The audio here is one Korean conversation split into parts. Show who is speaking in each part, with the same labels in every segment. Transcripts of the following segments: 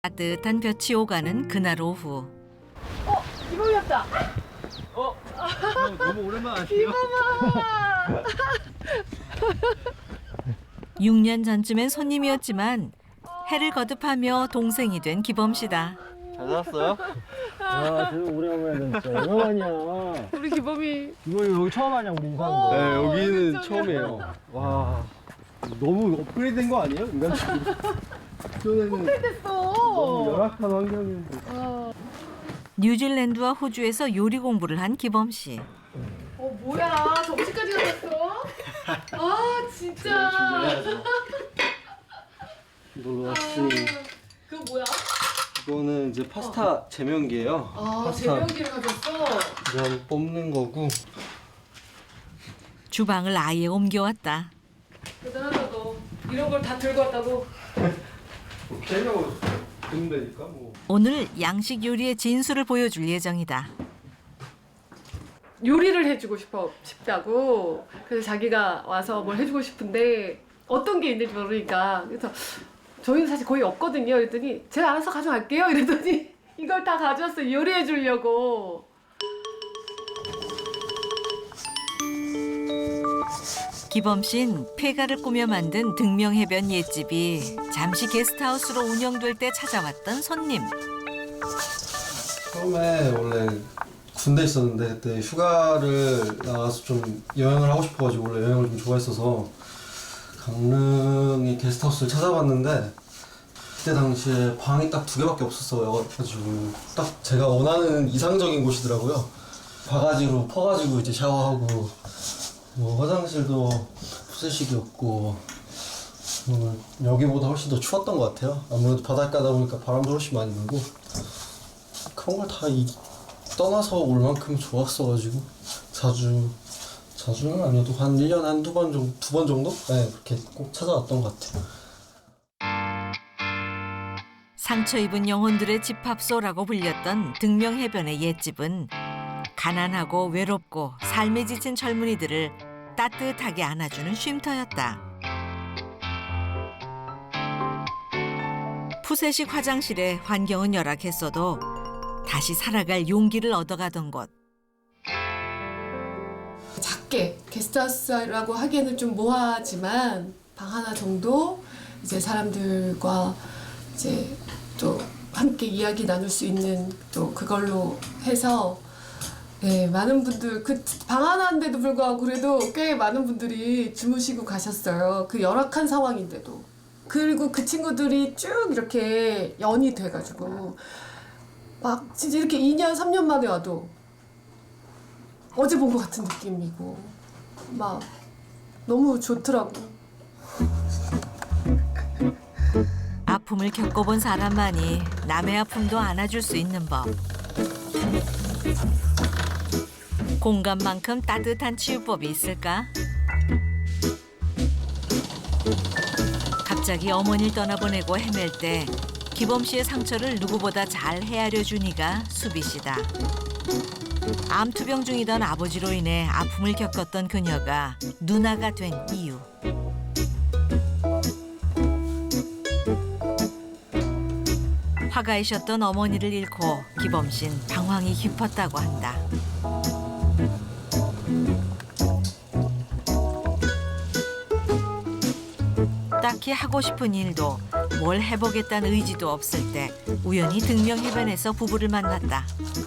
Speaker 1: 따뜻한 볕이 오가는 그날 오후.
Speaker 2: 이거였다.
Speaker 3: 너무 오랜만 아니에요?
Speaker 2: 이거만.
Speaker 1: 6년 전쯤엔 손님이었지만 해를 거듭하며 동생이 된 기범 씨다.
Speaker 3: 잘 살았어요?
Speaker 4: 야, 되게 오래간만이야 진짜. 얼마만이야.
Speaker 2: 우리 기범이.
Speaker 4: 이거 여기 처음 하냐 우리 이사한 거.
Speaker 3: 네, 여기는
Speaker 2: 깜짝이야.
Speaker 3: 처음이에요. 와, 너무 업그레이드 된 거 아니에요? 인간적으로. 전에는
Speaker 2: 됐어.
Speaker 3: 너무 열악한 환경이었는데.
Speaker 1: 뉴질랜드와 호주에서 요리 공부를 한 기범 씨.
Speaker 2: 뭐야? 점심까지 가졌어? 아 진짜.
Speaker 3: 놀러 왔으니.
Speaker 2: 그거 뭐야?
Speaker 3: 이거는 이제 파스타 제명기예요.
Speaker 2: 아
Speaker 3: 파스타
Speaker 2: 제명기를 가졌어.
Speaker 3: 면 뽑는 거고.
Speaker 1: 주방을 아예 옮겨왔다.
Speaker 2: 대단하다 너. 이런 걸 다 들고 왔다고.
Speaker 3: 제명 듣면 되니까 뭐.
Speaker 1: 오늘 양식 요리의 진수를 보여줄 예정이다.
Speaker 2: 요리를 해주고 싶다고. 그래서 자기가 와서 뭘 해주고 싶은데 어떤 게 있는지 모르니까. 그래서 저희는 사실 거의 없거든요. 그랬더니 제가 알아서 가져갈게요. 이랬더니 이걸 다 가져왔어요. 요리해 주려고.
Speaker 1: 기범 씨는 폐가를 꾸며 만든 등명해변 옛집이 잠시 게스트하우스로 운영될 때 찾아왔던 손님.
Speaker 3: 처음에 원래 군대 있었는데 그때 휴가를 나가서 좀 여행을 하고 싶어가지고 원래 여행을 좀 좋아했어서 강릉의 게스트하우스를 찾아봤는데 그때 당시에 방이 딱 2개밖에 없었어가지고 딱 제가 원하는 이상적인 곳이더라고요. 바가지로 퍼가지고 이제 샤워하고 뭐 화장실도 푸세식이었고 여기보다 훨씬 더 추웠던 것 같아요. 아무래도 바닷가다 보니까 바람도 훨씬 많이 불고 그런 걸 다 떠나서 올 만큼 좋았어가지고 자주는 아니어도 한 1년에 한두 번 정도, 2번 정도? 네, 그렇게 꼭 찾아왔던 것 같아요.
Speaker 1: 상처 입은 영혼들의 집합소라고 불렸던 등명해변의 옛집은 가난하고 외롭고 삶에 지친 젊은이들을 따뜻하게 안아주는 쉼터였다. 푸세식 화장실에 환경은 열악했어도 다시 살아갈 용기를 얻어가던 곳.
Speaker 2: 작게 게스트하우스라고 하기에는 좀 모하지만 방 하나 정도 이제 사람들과 이제 또 함께 이야기 나눌 수 있는 또 그걸로 해서 네, 많은 분들 그 방 하나인데도 불구하고 그래도 꽤 많은 분들이 주무시고 가셨어요. 그 열악한 상황인데도. 그리고 그 친구들이 쭉 이렇게 연이 돼가지고 막 진짜 이렇게 2년, 3년 만에 와도 어제 본 것 같은 느낌이고 막 너무 좋더라고.
Speaker 1: 아픔을 겪어본 사람만이 남의 아픔도 안아줄 수 있는 법. 공감만큼 따뜻한 치유법이 있을까? 갑자기 어머니를 떠나보내고 헤맬 때 기범 씨의 상처를 누구보다 잘 헤아려 준 이가 수비 씨다. 암투병 중이던 아버지로 인해 아픔을 겪었던 그녀가 누나가 된 이유. 화가이셨던 어머니를 잃고 기범 씨는 방황이 깊었다고 한다. 딱히 하고 싶은 일도 뭘 해보겠다는 의지도 없을 때 우연히 등명해변에서 부부를 만났다.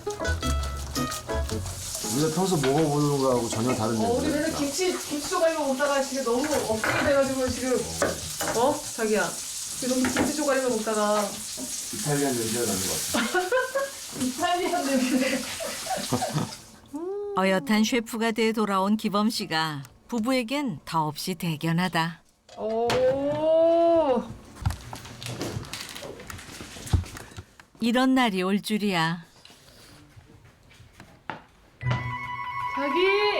Speaker 5: 우리가 평소 먹어보는 거하고 전혀 다른
Speaker 2: 우리
Speaker 5: 냄새.
Speaker 2: 맨날 김치 조각만 먹다가 지금 너무 업그레이드 돼가지고 지금 자기야 지금 너무 김치 조각만 먹다가
Speaker 5: 이탈리안 냄새가 나는 것 같아.
Speaker 2: 이탈리안 냄새.
Speaker 1: 어엿한 셰프가 돼 돌아온 기범 씨가 부부에겐 더없이 대견하다.
Speaker 2: 오.
Speaker 1: 이런 날이 올 줄이야.
Speaker 2: 자기.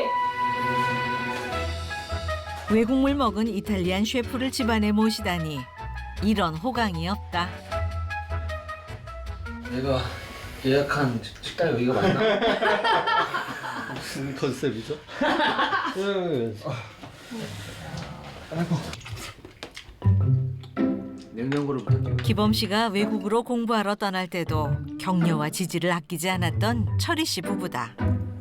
Speaker 1: 외국물 먹은 이탈리안 셰프를 집안에 모시다니 이런 호강이 없다.
Speaker 4: 내가 예약한 식당 여기가 맞나?
Speaker 3: 무슨 컨셉이죠?
Speaker 5: 냄새 냉장고를 끓여.
Speaker 1: 기범 씨가 외국으로 공부하러 떠날 때도 격려와 지지를 아끼지 않았던 철희 씨 부부다.